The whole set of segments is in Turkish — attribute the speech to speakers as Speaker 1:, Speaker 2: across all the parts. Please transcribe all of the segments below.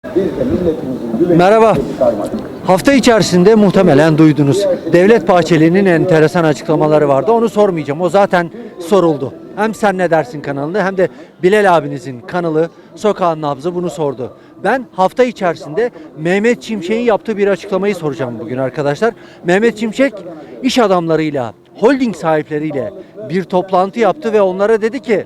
Speaker 1: Merhaba. Hafta içerisinde muhtemelen duydunuz. Devlet Bahçeli'nin enteresan açıklamaları vardı. Onu sormayacağım. O zaten soruldu. Hem Sen Ne Dersin kanalında hem de Bilal abinizin kanalı Sokağın Nabzı bunu sordu. Ben hafta içerisinde Mehmet Şimşek'in yaptığı bir açıklamayı soracağım bugün arkadaşlar. Mehmet Şimşek iş adamlarıyla, holding sahipleriyle bir toplantı yaptı ve onlara dedi ki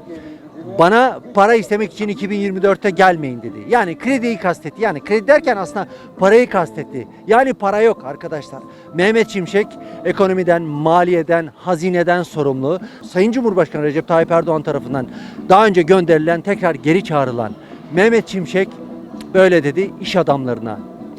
Speaker 1: bana para istemek için 2024'te gelmeyin dedi. Yani krediyi kastetti. Yani kredi derken aslında parayı kastetti. Yani para yok arkadaşlar. Mehmet Şimşek ekonomiden, maliyeden, hazineden sorumlu. Sayın Cumhurbaşkanı Recep Tayyip Erdoğan tarafından daha önce gönderilen, tekrar geri çağrılan Mehmet Şimşek böyle dedi iş adamlarına,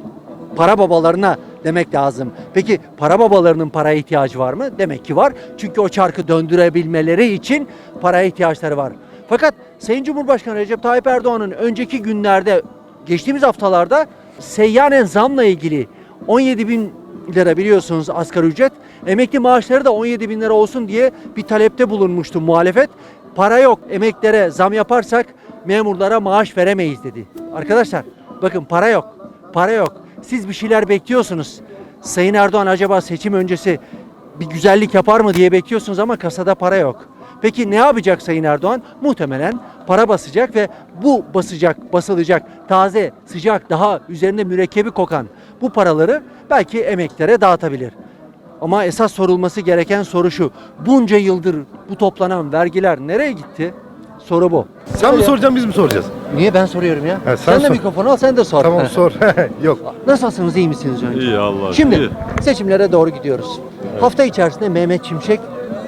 Speaker 1: para babalarına demek lazım. Peki para babalarının paraya ihtiyacı var mı? Demek ki var. Çünkü o çarkı döndürebilmeleri için paraya ihtiyaçları var. Fakat Sayın Cumhurbaşkanı Recep Tayyip Erdoğan'ın önceki günlerde, geçtiğimiz haftalarda seyyanen zamla ilgili 17 bin lira biliyorsunuz asgari ücret, emekli maaşları da 17 bin lira olsun diye bir talepte bulunmuştu muhalefet. Para yok, emeklilere zam yaparsak memurlara maaş veremeyiz dedi. Arkadaşlar bakın para yok, para yok. Siz bir şeyler bekliyorsunuz. Sayın Erdoğan acaba seçim öncesi bir güzellik yapar mı diye bekliyorsunuz ama kasada para yok. Peki ne yapacak Sayın Erdoğan? Muhtemelen para basacak ve bu basılacak taze, sıcak, daha üzerinde mürekkebi kokan bu paraları belki emeklilere dağıtabilir. Ama esas sorulması gereken soru şu. Bunca yıldır bu toplanan vergiler nereye gitti? Soru bu.
Speaker 2: Sen mi soracaksın biz mi soracağız?
Speaker 1: Niye ben soruyorum ya?
Speaker 2: Sen
Speaker 1: Sen de
Speaker 2: sor.
Speaker 1: mikrofonu al sen de sor.
Speaker 2: Tamam sor. Yok.
Speaker 1: Nasılsınız, iyi misiniz önce?
Speaker 3: İyi Allah.
Speaker 1: Şimdi
Speaker 3: iyi.
Speaker 1: seçimlere doğru gidiyoruz. Hafta içerisinde Mehmet Şimşek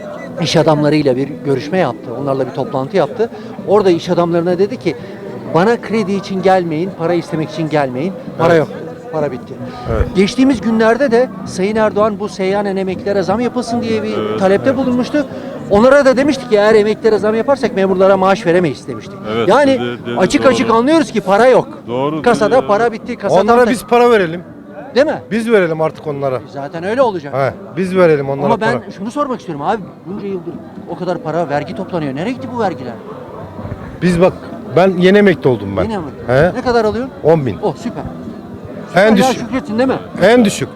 Speaker 1: iş adamlarıyla bir görüşme yaptı. Onlarla bir toplantı yaptı. Orada iş adamlarına dedi ki bana kredi için gelmeyin, para istemek için gelmeyin. Para
Speaker 2: Evet.
Speaker 1: yok. Para bitti.
Speaker 2: Evet.
Speaker 1: Geçtiğimiz günlerde de Sayın Erdoğan bu seyyanen emeklilere zam yapılsın diye bir talepte bulunmuştu. Onlara da demiştik ki eğer emeklilere zam yaparsak memurlara maaş veremeyiz demiştik.
Speaker 3: Evet,
Speaker 1: Yani
Speaker 3: dedi,
Speaker 1: açık
Speaker 3: doğru.
Speaker 1: açık anlıyoruz ki para yok.
Speaker 3: Doğru,
Speaker 1: Kasada
Speaker 3: dedi ya.
Speaker 1: para bitti. Kasadan
Speaker 2: Onlara biz para verelim.
Speaker 1: değil mi?
Speaker 2: Biz verelim artık onlara.
Speaker 1: Zaten öyle olacak.
Speaker 2: He, biz verelim onlara
Speaker 1: Ama ben
Speaker 2: para.
Speaker 1: şunu sormak istiyorum abi, bunca yıldır o kadar para, vergi toplanıyor. Nereye gitti bu vergiler?
Speaker 2: Biz bak ben yeni emekli oldum ben.
Speaker 1: Yine mi?
Speaker 2: He?
Speaker 1: Ne kadar alıyorsun?
Speaker 2: 10.000.
Speaker 1: Oh süper.
Speaker 2: En
Speaker 1: Ya
Speaker 2: düşük.
Speaker 1: şükretsin değil mi?
Speaker 2: En düşük.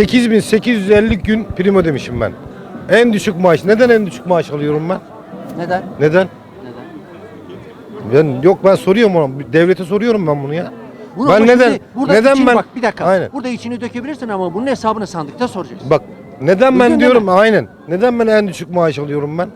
Speaker 2: 8.850 gün prim ödemişim ben. En düşük maaş. Neden en düşük maaş alıyorum ben?
Speaker 1: Neden?
Speaker 2: Neden?
Speaker 1: Neden?
Speaker 2: Ben soruyorum ona. Devlete soruyorum ben bunu ya.
Speaker 1: Bunu
Speaker 2: Ben
Speaker 1: ama
Speaker 2: neden?
Speaker 1: şimdi burada
Speaker 2: Neden
Speaker 1: içini
Speaker 2: ben?
Speaker 1: bak bir dakika.
Speaker 2: Aynen.
Speaker 1: Burada içini dökebilirsin ama bunun hesabını sandıkta soracaksın.
Speaker 2: Bak neden ben
Speaker 1: Bugün
Speaker 2: diyorum
Speaker 1: neden?
Speaker 2: aynen. Neden ben en düşük maaş alıyorum ben?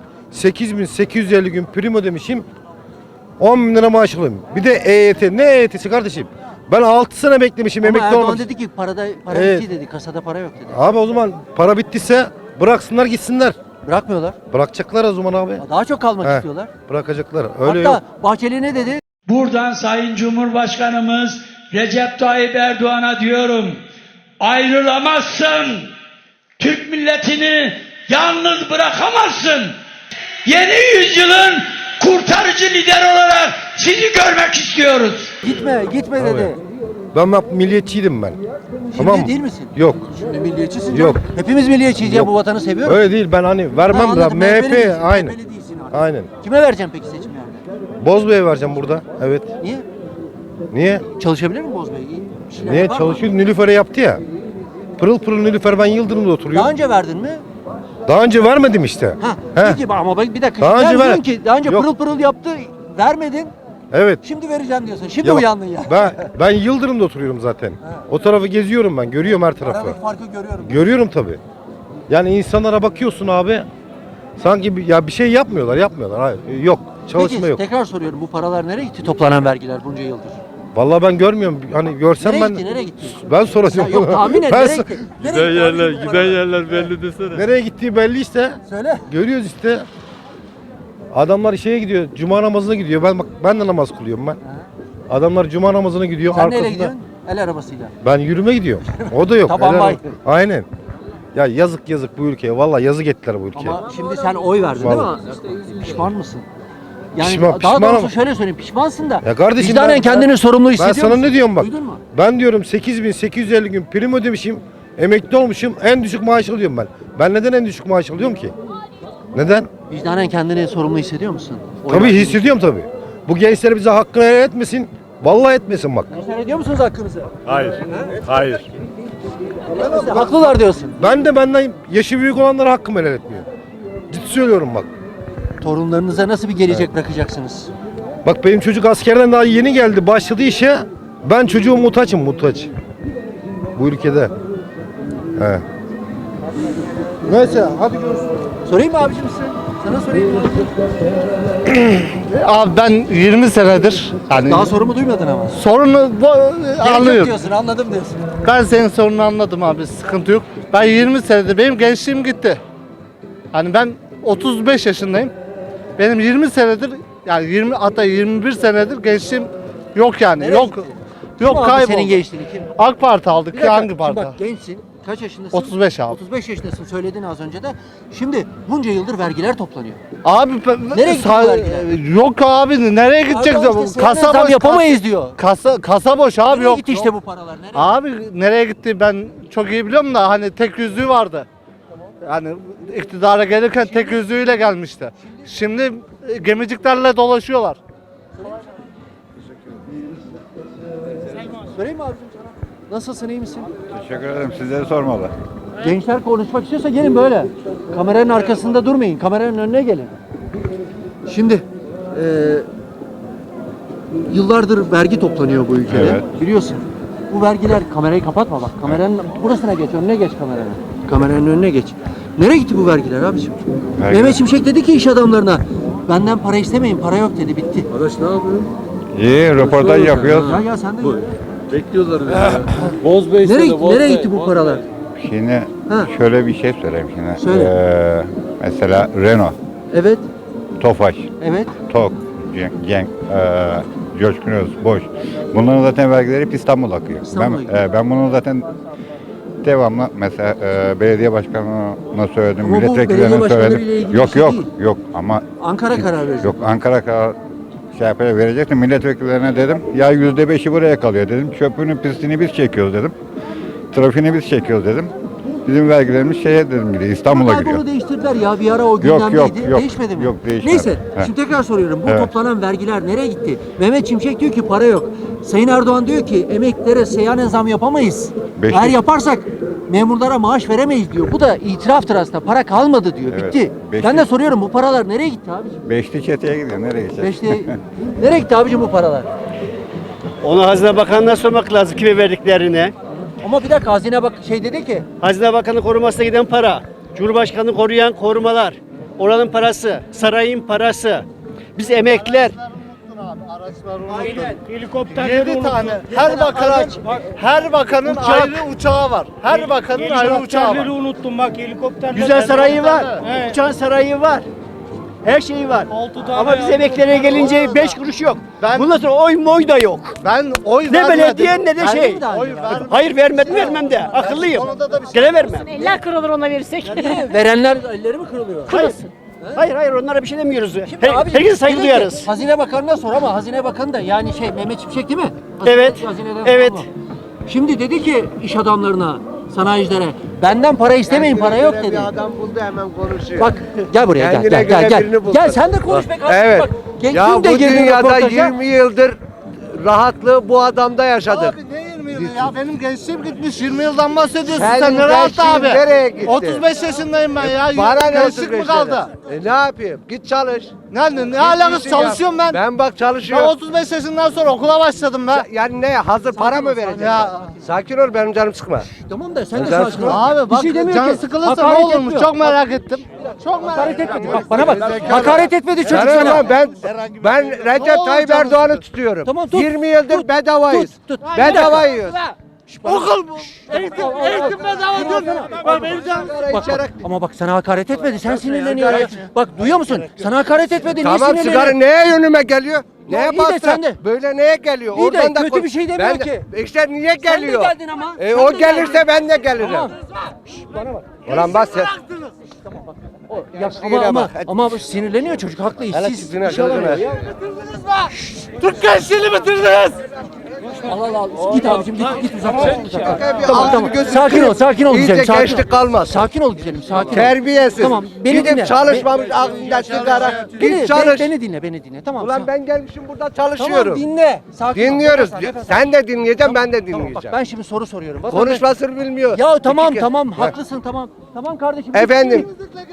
Speaker 2: 8.850 gün prim ödemişim. 10 bin lira maaş alıyorum. Bir de EYT. Ne EYT'si kardeşim? Ben 6 sene beklemişim
Speaker 1: Ama
Speaker 2: emekli
Speaker 1: Erdoğan
Speaker 2: olmak için.
Speaker 1: dedi ki para
Speaker 2: Evet.
Speaker 1: bitti dedi. Kasada para yok dedi.
Speaker 2: Abi o zaman para bittiyse bıraksınlar gitsinler.
Speaker 1: Bırakmıyorlar.
Speaker 2: Bırakacaklar o zaman abi.
Speaker 1: Daha çok kalmak
Speaker 2: He,
Speaker 1: istiyorlar.
Speaker 2: Bırakacaklar. Öyle
Speaker 1: Hatta
Speaker 2: yok.
Speaker 1: Bahçeli ne dedi?
Speaker 4: Buradan Sayın Cumhurbaşkanımız Recep Tayyip Erdoğan'a diyorum. Ayrılamazsın. Türk milletini yalnız bırakamazsın. Yeni yüzyılın kurtarıcı lider olarak sizi görmek istiyoruz.
Speaker 1: Gitme dedi.
Speaker 2: Ben bak milliyetçiydim ben.
Speaker 1: Şimdi
Speaker 2: Tamam mı?
Speaker 1: değil misin?
Speaker 2: Yok.
Speaker 1: Şimdi milliyetçisin
Speaker 2: Yok.
Speaker 1: canım. Hepimiz milliyetçiyiz ya,
Speaker 2: Yok.
Speaker 1: bu vatanı seviyoruz.
Speaker 2: Öyle değil ben hani
Speaker 1: Ha,
Speaker 2: vermem da
Speaker 1: anladım. MHP'li
Speaker 2: MHP
Speaker 1: değilsin,
Speaker 2: aynen.
Speaker 1: MHP'li değilsin artık.
Speaker 2: Aynen.
Speaker 1: Kime vereceğim peki seçimlerde?
Speaker 2: Bozbey'e vereceğim burada. Evet.
Speaker 1: Niye?
Speaker 2: Niye?
Speaker 1: Çalışabilir mi Bozbey? İyi bir şeyler
Speaker 2: Niye
Speaker 1: yapar mı?
Speaker 2: çalışıyor? Nilüfer'e yaptı ya. Pırıl pırıl Nilüfer ben Yıldırım'da oturuyorum.
Speaker 1: Daha önce verdin mi?
Speaker 2: Daha önce vermedim işte.
Speaker 1: Ha.
Speaker 2: He.
Speaker 1: Peki ama bak bir dakika.
Speaker 2: Daha önce
Speaker 1: Sen
Speaker 2: ver-
Speaker 1: diyorsun ki daha önce
Speaker 2: Yok.
Speaker 1: pırıl pırıl yaptı, vermedin.
Speaker 2: Evet.
Speaker 1: Şimdi vereceğim diyorsun. Şimdi
Speaker 2: Ya bak,
Speaker 1: uyandın ya.
Speaker 2: Ben Yıldırım'da oturuyorum zaten. O tarafı geziyorum ben. Görüyorum her tarafı.
Speaker 1: Aradaki farkı görüyorum.
Speaker 2: Görüyorum tabii. Yani insanlara bakıyorsun abi. Sanki bir şey yapmıyorlar. Hayır, yok. Çalışma
Speaker 1: Peki
Speaker 2: yok.
Speaker 1: tekrar soruyorum, bu paralar nereye gitti toplanan vergiler bunca yıldır?
Speaker 2: Vallahi ben görmüyorum. Hani görsem
Speaker 1: Nereye
Speaker 2: ben
Speaker 1: gitti, nereye gitti?
Speaker 2: ben soracağım.
Speaker 1: Ya yok tahmin et,
Speaker 2: Ben
Speaker 1: nereye
Speaker 2: so-
Speaker 1: gitti?
Speaker 3: Giden
Speaker 1: Nereye gitti?
Speaker 3: yerler,
Speaker 1: Tahmin et bu
Speaker 3: giden
Speaker 1: paralar.
Speaker 3: yerler belli desene.
Speaker 2: Nereye gittiği belli işte.
Speaker 1: Söyle.
Speaker 2: Görüyoruz işte. Adamlar şeye gidiyor. Cuma namazına gidiyor. Ben de namaz kılıyorum ben. Adamlar cuma namazına gidiyor.
Speaker 1: Sen neyle
Speaker 2: arkasında.
Speaker 1: gidiyorsun? El arabasıyla.
Speaker 2: Ben yürüme gidiyorum. O da yok.
Speaker 1: Taban
Speaker 2: Helal
Speaker 1: bay.
Speaker 2: olsun. Aynen. Ya yazık bu ülkeye. Vallahi yazık ettiler bu ülkeye.
Speaker 1: Ama şimdi sen oy verdin
Speaker 2: Vallahi.
Speaker 1: değil mi? Pişman mısın? Yani
Speaker 2: Pişman-
Speaker 1: daha
Speaker 2: pişmanım.
Speaker 1: doğrusu şöyle söyleyeyim, pişmansın da.
Speaker 2: Ya kardeşim
Speaker 1: vicdanen kendini sorumlu
Speaker 2: ben
Speaker 1: hissediyor
Speaker 2: sana
Speaker 1: musun?
Speaker 2: ne diyorum bak.
Speaker 1: Duydun mu?
Speaker 2: Ben diyorum 8.850 gün prim ödemişim. Emekli olmuşum. En düşük maaş alıyorum ben. Ben neden en düşük maaş alıyorum ki? Neden?
Speaker 1: Vicdanen kendini sorumlu hissediyor musun? Oy
Speaker 2: Tabii
Speaker 1: verdiğin
Speaker 2: hissediyorum tabii. Bu gençler bize hakkını helal etmesin. Vallahi etmesin bak.
Speaker 1: Sen ediyor musunuz hakkınızı?
Speaker 3: Hayır. Hayır.
Speaker 1: Haklılar diyorsun.
Speaker 2: Ben de benden yaşı büyük olanlara hakkımı helal etmiyor. Ciddi söylüyorum bak.
Speaker 1: Torunlarınıza nasıl bir gelecek bırakacaksınız?
Speaker 2: Bak benim çocuk askerden daha yeni geldi. Başladı işe. Ben çocuğum muhtaçım muhtaç. Bu ülkede. He. Neyse hadi görüşürüz.
Speaker 1: Sorayım mı abicim size? Sana sorayım mı?
Speaker 5: Abi ben 20 senedir hani
Speaker 1: Daha sorumu duymadın ama.
Speaker 5: sorunu
Speaker 1: Gerek yok
Speaker 5: anlıyorum.
Speaker 1: diyorsun, anladım diyorsun.
Speaker 5: Ben senin sorununu anladım abi, sıkıntı yok. Ben 20 senedir, benim gençliğim gitti. Hani ben 35 yaşındayım. Benim 20 senedir, yani 20 hatta 21 senedir gençliğim yok yani.
Speaker 1: Nereye
Speaker 5: Yok.
Speaker 1: gitti?
Speaker 5: Yok,
Speaker 1: Kim aldı
Speaker 5: kayboldu.
Speaker 1: senin gençliğini kim?
Speaker 5: AK Parti aldık.
Speaker 1: Bir dakika,
Speaker 5: Hangi
Speaker 1: şimdi
Speaker 5: parti?
Speaker 1: bak gençsin. Kaç yaşındasın?
Speaker 5: 35 abi.
Speaker 1: 35 yaşındasın söyledin az önce de. Şimdi bunca yıldır vergiler toplanıyor.
Speaker 5: Abi
Speaker 1: Nereye gitti bu vergiler?
Speaker 5: yok abi, nereye gidecek?
Speaker 1: Adam işte
Speaker 5: Kasa
Speaker 1: zam
Speaker 5: boş,
Speaker 1: yapamayız diyor.
Speaker 5: Kasa boş abi,
Speaker 1: Nereye
Speaker 5: yok.
Speaker 1: gitti işte bu paralar? Nereye?
Speaker 5: Abi nereye gitti ben çok iyi biliyorum da hani tek yüzüğü vardı. Yani iktidara gelirken tek yüzüğüyle gelmişti. Şimdi gemiciklerle dolaşıyorlar.
Speaker 1: Sorayım mı abicim sana? Nasılsın, iyi misin?
Speaker 3: Teşekkür ederim. Sizleri sormalı.
Speaker 1: Gençler konuşmak istiyorsa gelin böyle. Kameranın arkasında durmayın. Kameranın önüne gelin. Şimdi yıllardır vergi toplanıyor bu ülkede.
Speaker 3: Evet.
Speaker 1: Biliyorsun. Bu vergiler, kamerayı kapatma bak. Kameranın burasına geç, önüne geç kameranın. Kameranın önüne geç. Nereye gitti bu vergiler abiciğim?
Speaker 3: Vergiler.
Speaker 1: Mehmet Şimşek dedi ki iş adamlarına, benden para istemeyin, para yok dedi, bitti.
Speaker 6: Arkadaş ne yapıyor?
Speaker 3: İyi, röportaj yapıyoruz.
Speaker 1: Ya sen de
Speaker 6: Bekliyorlar bizi ya. Boz Bey
Speaker 1: nereye gitti bu paralar?
Speaker 3: Şimdi
Speaker 1: Ha.
Speaker 3: şöyle bir şey söyleyeyim şimdi.
Speaker 1: Söyle.
Speaker 3: Mesela Renault,
Speaker 1: Evet,
Speaker 3: Tofaş,
Speaker 1: evet.
Speaker 3: TOK, Genk, Coşkun Öz, Boş. Bunların zaten vergileri hep İstanbul akıyor.
Speaker 1: İstanbul'a gidiyor.
Speaker 3: Ben bunu zaten devamlı mesela belediye başkanına söyledim,
Speaker 1: Ama bu belediye
Speaker 3: milletvekillerine
Speaker 1: başkanlarıyla
Speaker 3: söyledim.
Speaker 1: ilgili bir
Speaker 3: Yok
Speaker 1: şey
Speaker 3: yok
Speaker 1: değil.
Speaker 3: yok ama
Speaker 1: Ankara karar verecek.
Speaker 3: yok Ankara karar şey yapıyor, verecekti. Milletvekillerine dedim ya %5'i buraya kalıyor dedim. Çöpünü pisliğini biz çekiyoruz dedim. Trafiğini biz çekiyoruz dedim. Bizim vergilerimiz şeye dedim gidiyor, İstanbul'a
Speaker 1: Ama
Speaker 3: gidiyor.
Speaker 1: bunu değiştirdiler ya, bir ara o
Speaker 3: Yok,
Speaker 1: gündemdeydi.
Speaker 3: yok.
Speaker 1: Değişmedi mi?
Speaker 3: Yok, değişmedi.
Speaker 1: Neyse,
Speaker 3: He.
Speaker 1: şimdi tekrar soruyorum. Bu
Speaker 3: Evet.
Speaker 1: toplanan vergiler nereye gitti? Mehmet Şimşek diyor ki para yok. Sayın Erdoğan diyor ki emeklilere seyyanen zam yapamayız.
Speaker 3: Beşlik.
Speaker 1: Eğer yaparsak memurlara maaş veremeyiz diyor. Bu da itiraftır aslında. Para kalmadı diyor.
Speaker 3: Evet.
Speaker 1: Bitti. Ben
Speaker 3: Beşlik.
Speaker 1: de soruyorum, bu paralar nereye gitti abiciğim?
Speaker 3: Beşli çeteye gidiyor, nereye gidecek?
Speaker 1: Beşte nereye gitti abiciğim bu paralar?
Speaker 7: Onu Hazine Bakanı'na sormak lazım kime verdiklerini.
Speaker 1: Ama bir dakika, Hazine bak şey dedi ki
Speaker 7: Hazine Bakanı korumasına giden para, Cumhurbaşkanı koruyan korumalar, oranın parası, sarayın parası. Biz emekliler
Speaker 5: Helikopterleri 7 tane. Her bakanın ayrı uçağı var. Her bakanın ayrı uçağı var.
Speaker 7: unuttum bak helikopterler. Güzel sarayı var, uçan sarayı var. Her şeyi var. Ama biz emeklilere gelince 5 kuruş yok. Bundan sonra oy moy da yok.
Speaker 5: Ben oy
Speaker 7: Ne
Speaker 5: vermedim.
Speaker 7: belediye ne de
Speaker 1: Verdin
Speaker 7: şey.
Speaker 1: mi daha önce?
Speaker 7: Hayır vermem de. Akıllıyım. Gene vermem.
Speaker 8: Eller kırılır ona verirsek.
Speaker 1: verenler elleri mi kırılıyor?
Speaker 7: Hayır onlara bir şey demiyoruz.
Speaker 1: Şimdi abicim,
Speaker 7: Herkese saygı
Speaker 1: dedi ki,
Speaker 7: duyarız.
Speaker 1: Hazine Bakanı'na sor ama Hazine Bakanı da yani şey Mehmet Şimşek değil mi? Hazine-
Speaker 7: Evet,
Speaker 1: Hazineden
Speaker 7: evet.
Speaker 1: sorma. Şimdi dedi ki iş adamlarına, sanayicilere benden para istemeyin, para yok dedi.
Speaker 9: Adam buldu hemen konuşuyor.
Speaker 1: Bak gel buraya
Speaker 9: Kendine
Speaker 1: gel
Speaker 9: göre
Speaker 1: gel.
Speaker 9: birini buldu.
Speaker 1: Gel sen de konuş be kardeşim
Speaker 9: Evet.
Speaker 1: bak.
Speaker 9: Ya
Speaker 1: Dün de
Speaker 9: bu
Speaker 1: girdin
Speaker 9: dünyada
Speaker 1: röportaja.
Speaker 9: 20 yıldır rahatlığı bu adamda yaşadık.
Speaker 5: Abi ne 20 yılı ya? Benim gençliğim gitmiş. 20 yıldan bahsediyorsun
Speaker 9: Senin
Speaker 5: sen. Ne rahat
Speaker 9: gençliğin
Speaker 5: abi?
Speaker 9: nereye gitti?
Speaker 5: 35 yaşındayım ben ya.
Speaker 9: Bana ne
Speaker 5: Gençlik mi
Speaker 9: 35
Speaker 5: kaldı?
Speaker 9: sene? Ne yapayım? Git çalış.
Speaker 5: Ne alakası,
Speaker 9: işin yap.
Speaker 5: çalışıyorum ben.
Speaker 9: Ben bak
Speaker 5: Ben
Speaker 9: çalışıyorum.
Speaker 5: 35 yaşından sonra okula başladım ben.
Speaker 9: Yani ne? Hazır para mı vereceksin?
Speaker 5: Ya.
Speaker 9: Sakin ol, benim canım sıkma.
Speaker 1: Tamam da sen de
Speaker 9: Sen
Speaker 1: sakin ol.
Speaker 5: Abi bak
Speaker 1: Bir şey demiyor
Speaker 5: can
Speaker 1: ki.
Speaker 5: sıkılırsa
Speaker 1: Hakaret
Speaker 5: ne olurmuş
Speaker 1: etmiyor.
Speaker 5: çok merak ettim. Çok merak
Speaker 1: Hakaret
Speaker 5: ettim.
Speaker 1: etmedi. Bak bana bak. Hakaret etmedi çocuk
Speaker 9: Sana
Speaker 1: sana.
Speaker 9: bak, ben Recep
Speaker 5: olur
Speaker 9: Tayyip
Speaker 5: canım
Speaker 9: Erdoğan'ı
Speaker 5: sıkı?
Speaker 9: tutuyorum.
Speaker 1: Tamam, tut.
Speaker 9: 20 yıldır
Speaker 1: Tut.
Speaker 9: bedavayız.
Speaker 1: Tut.
Speaker 9: Bedava yiyoruz.
Speaker 5: Okul bu. Eğitim bedava diyorsun. Bak benim canım.
Speaker 1: Bak, ama bak sana hakaret etmedi. Sen sinirleniyorsun. Ya. Bak duyuyor musun? Sana hakaret etmedi. Niye
Speaker 9: Tamam, sigara
Speaker 1: sinirleniyorsun?
Speaker 9: neye yönüme geliyor?
Speaker 1: Ya
Speaker 9: Neye
Speaker 1: iyi de
Speaker 9: bastı?
Speaker 1: sen de.
Speaker 9: Böyle neye geliyor?
Speaker 1: İyi de
Speaker 9: Oradan da
Speaker 1: kötü bir şey demiyor
Speaker 9: Ben de-
Speaker 1: ki.
Speaker 9: İşte niye geliyor?
Speaker 1: Sen de geldin ama. Sen
Speaker 9: O
Speaker 1: de
Speaker 9: gelirse
Speaker 1: geldin.
Speaker 9: ben de gelirim.
Speaker 1: Tamam. Bana bak.
Speaker 9: Ulan bas sen.
Speaker 1: Ya,
Speaker 9: Yine
Speaker 1: ama
Speaker 9: bak, hadi.
Speaker 1: ama sinirleniyor çocuk, haklı,
Speaker 9: Hele
Speaker 1: işsiz.
Speaker 9: tipine,
Speaker 1: İş alamıyor
Speaker 9: gözüne.
Speaker 1: ya.
Speaker 5: Türk gençliğini bitirdiniz.
Speaker 1: al. Git abicim git uzak.
Speaker 9: Bir
Speaker 1: Tamam
Speaker 9: ağzını
Speaker 1: tamam.
Speaker 9: gözünü
Speaker 1: Sakin ol güzelim.
Speaker 9: İyice
Speaker 1: Sakin
Speaker 9: gençlik
Speaker 1: ol.
Speaker 9: kalmaz.
Speaker 1: Sakin ol güzelim. Sakin ol.
Speaker 9: Terbiyesiz.
Speaker 1: Tamam. Beni
Speaker 9: Gidip
Speaker 1: dinle.
Speaker 9: çalışmamış aklında sigara. Git çalış.
Speaker 1: Beni dinle. Tamam.
Speaker 9: Ulan ben gelmişim burada çalışıyorum.
Speaker 1: Tamam dinle. Sakin ol.
Speaker 9: Dinliyoruz.
Speaker 1: Nefes al.
Speaker 9: Sen de dinleyeceksin, ben de
Speaker 1: Tamam bak
Speaker 9: dinleyeceğim.
Speaker 1: ben şimdi soru soruyorum.
Speaker 9: Konuşmasını bilmiyor.
Speaker 1: Ya tamam
Speaker 9: İki-
Speaker 1: tamam haklısın tamam. Tamam kardeşim.
Speaker 9: Efendim.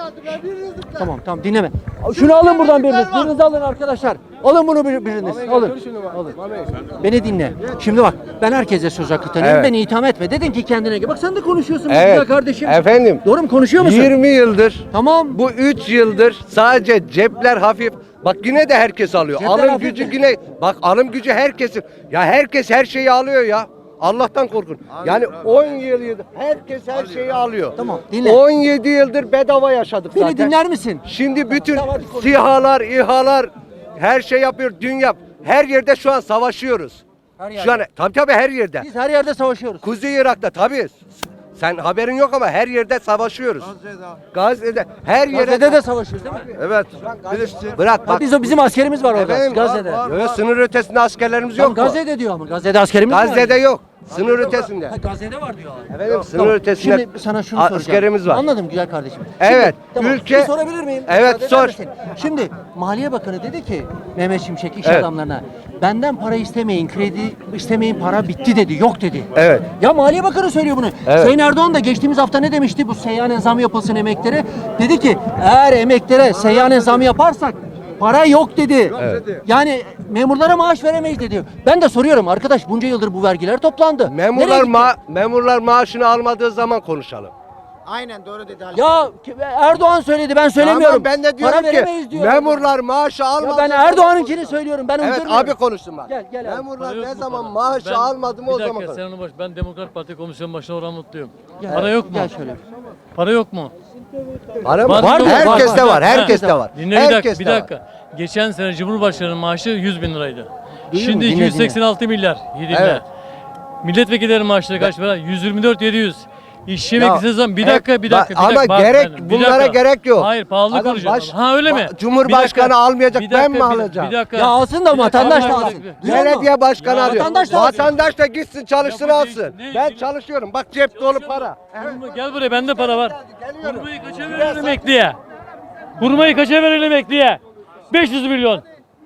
Speaker 1: Tamam dinleme. Şunu alın buradan biriniz alın arkadaşlar. Alın bunu biriniz. Alın. Beni dinle. Şimdi bak ben herkese söz hakkı tanıyorum.
Speaker 9: Evet.
Speaker 1: Beni itham etme. Dedin ki kendine gel. Bak sen de konuşuyorsun
Speaker 9: Evet.
Speaker 1: güzel kardeşim.
Speaker 9: Efendim.
Speaker 1: Doğru mu konuşuyor musun?
Speaker 9: 20 yıldır.
Speaker 1: Tamam.
Speaker 9: Bu 3 yıldır sadece cepler hafif. Bak yine de herkes alıyor.
Speaker 1: Cepler
Speaker 9: Alım
Speaker 1: hafif
Speaker 9: gücü
Speaker 1: mi?
Speaker 9: yine. Bak alım gücü herkesin. Ya herkes her şeyi alıyor ya. Allah'tan korkun. Yani 10 yıldır herkes her şeyi alıyor.
Speaker 1: Tamam, dinle.
Speaker 9: 17 yıldır bedava yaşadık
Speaker 1: Beni
Speaker 9: zaten.
Speaker 1: dinler misin?
Speaker 9: Şimdi bütün
Speaker 1: Tamam, hadi konuş.
Speaker 9: SİHA'lar, İHA'lar her şey yapıyor. Dünya her yerde şu an savaşıyoruz.
Speaker 1: Her yerde.
Speaker 9: Şu an tabii her yerde.
Speaker 1: Biz her yerde savaşıyoruz.
Speaker 9: Kuzey Irak'ta tabii. Sen haberin yok ama her yerde savaşıyoruz. Gazze'de. Her yerde.
Speaker 1: Gazze'de de savaşıyoruz değil mi?
Speaker 9: Evet. Bırak
Speaker 1: Ha,
Speaker 9: bak.
Speaker 1: bizim askerimiz var orada.
Speaker 9: Efendim,
Speaker 1: Gazze'de.
Speaker 9: Yok, sınır ötesinde askerlerimiz
Speaker 1: Tamam,
Speaker 9: yok mu?
Speaker 1: Gazze'de diyor ama. Gazze'de askerimiz var.
Speaker 9: Gazze'de yok. Sınır ötesinde.
Speaker 1: Ha, Gazze'de var diyorlar.
Speaker 9: Efendim sınır
Speaker 1: Tamam,
Speaker 9: ötesinde
Speaker 1: Şimdi sana şunu soracağım.
Speaker 9: askerimiz var.
Speaker 1: Anladım güzel kardeşim.
Speaker 9: Evet,
Speaker 1: Tamam,
Speaker 9: ülke-
Speaker 1: bir sorabilir miyim?
Speaker 9: Evet,
Speaker 1: Müsaade
Speaker 9: sor.
Speaker 1: eder misin? Şimdi Maliye Bakanı dedi ki Mehmet Şimşek iş
Speaker 9: Evet.
Speaker 1: adamlarına benden para istemeyin, kredi istemeyin, para bitti dedi, yok dedi.
Speaker 9: Evet.
Speaker 1: Ya Maliye Bakanı söylüyor bunu.
Speaker 9: Evet.
Speaker 1: Sayın Erdoğan da geçtiğimiz hafta ne demişti? Bu seyyanen zam yapılsın emeklere. Dedi ki eğer emeklere seyyanen zam yaparsak para yok dedi. Yani memurlara maaş veremeyiz dedi. Ben de soruyorum arkadaş bunca yıldır bu vergiler toplandı. Nereye
Speaker 9: Memurlar
Speaker 1: gitti?
Speaker 9: memurlar maaşını almadığı zaman konuşalım.
Speaker 1: Ya Erdoğan söyledi ben söylemiyorum.
Speaker 9: Ama ben de diyorum
Speaker 1: Para veremeyiz
Speaker 9: ki
Speaker 1: diyorum.
Speaker 9: memurlar maaşı
Speaker 1: Ya
Speaker 9: almadığı
Speaker 1: ben
Speaker 9: zaman-
Speaker 1: Erdoğan'ınkini söylüyorum. Ben
Speaker 9: Evet
Speaker 1: uydurmuyorum.
Speaker 9: abi konuşsun bak.
Speaker 1: Gel abi.
Speaker 9: Memurlar ne zaman maaşı almadı mı o zaman konuş.
Speaker 6: Sen onu boş. Ben Demokrat Parti Komisyon Başkanı olan mutluyum.
Speaker 1: Gel,
Speaker 6: Para yok mu?
Speaker 1: Gel şöyle.
Speaker 6: Para yok mu?
Speaker 9: Var mı?
Speaker 6: Var mı?
Speaker 9: Herkeste
Speaker 6: Var.
Speaker 9: var. Herkeste
Speaker 1: Ha.
Speaker 9: var.
Speaker 6: Dinle bir dakika.
Speaker 9: Herkeste
Speaker 6: Bir
Speaker 9: var.
Speaker 6: dakika. Geçen sene Cumhurbaşkanı'nın maaşı 100 bin liraydı.
Speaker 1: Duyuyor
Speaker 6: Şimdi
Speaker 1: musun? Dinle,
Speaker 6: 286 milyar. Dinle.
Speaker 9: Evet.
Speaker 6: Milletvekillerinin maaşları kaç para? 124.700. İşçi
Speaker 9: Ya,
Speaker 6: emeklisi zaman bir dakika.
Speaker 9: ama
Speaker 6: bak
Speaker 9: gerek
Speaker 6: benim,
Speaker 9: bunlara gerek yok.
Speaker 6: Hayır pahalı
Speaker 9: Adam
Speaker 6: konuşuyorsun. Ha öyle mi?
Speaker 9: Cumhurbaşkanı
Speaker 6: Bir dakika,
Speaker 9: almayacak,
Speaker 6: bir
Speaker 9: ben
Speaker 6: dakika,
Speaker 9: mi
Speaker 6: bir-
Speaker 9: alacağım?
Speaker 6: Bir dakika.
Speaker 1: Ya alsın da
Speaker 6: Bir dakika,
Speaker 1: vatandaş
Speaker 6: bir
Speaker 1: da
Speaker 6: dakika,
Speaker 1: alsın.
Speaker 6: bir dakika.
Speaker 1: Duyuyor musun?
Speaker 9: Belediye başkanı
Speaker 6: Ya,
Speaker 9: alıyor.
Speaker 1: vatandaş da alsın.
Speaker 9: Vatandaş da gitsin çalışsın
Speaker 6: Ya bu
Speaker 9: alsın.
Speaker 6: ne-
Speaker 9: Ben çalışıyorum. Bak cep dolu para.
Speaker 6: Gel buraya bende para var.
Speaker 9: Geliyorum.
Speaker 6: Hurmayı kaça verelim emekliye? Hurmayı kaça verelim emekliye? 500 milyon.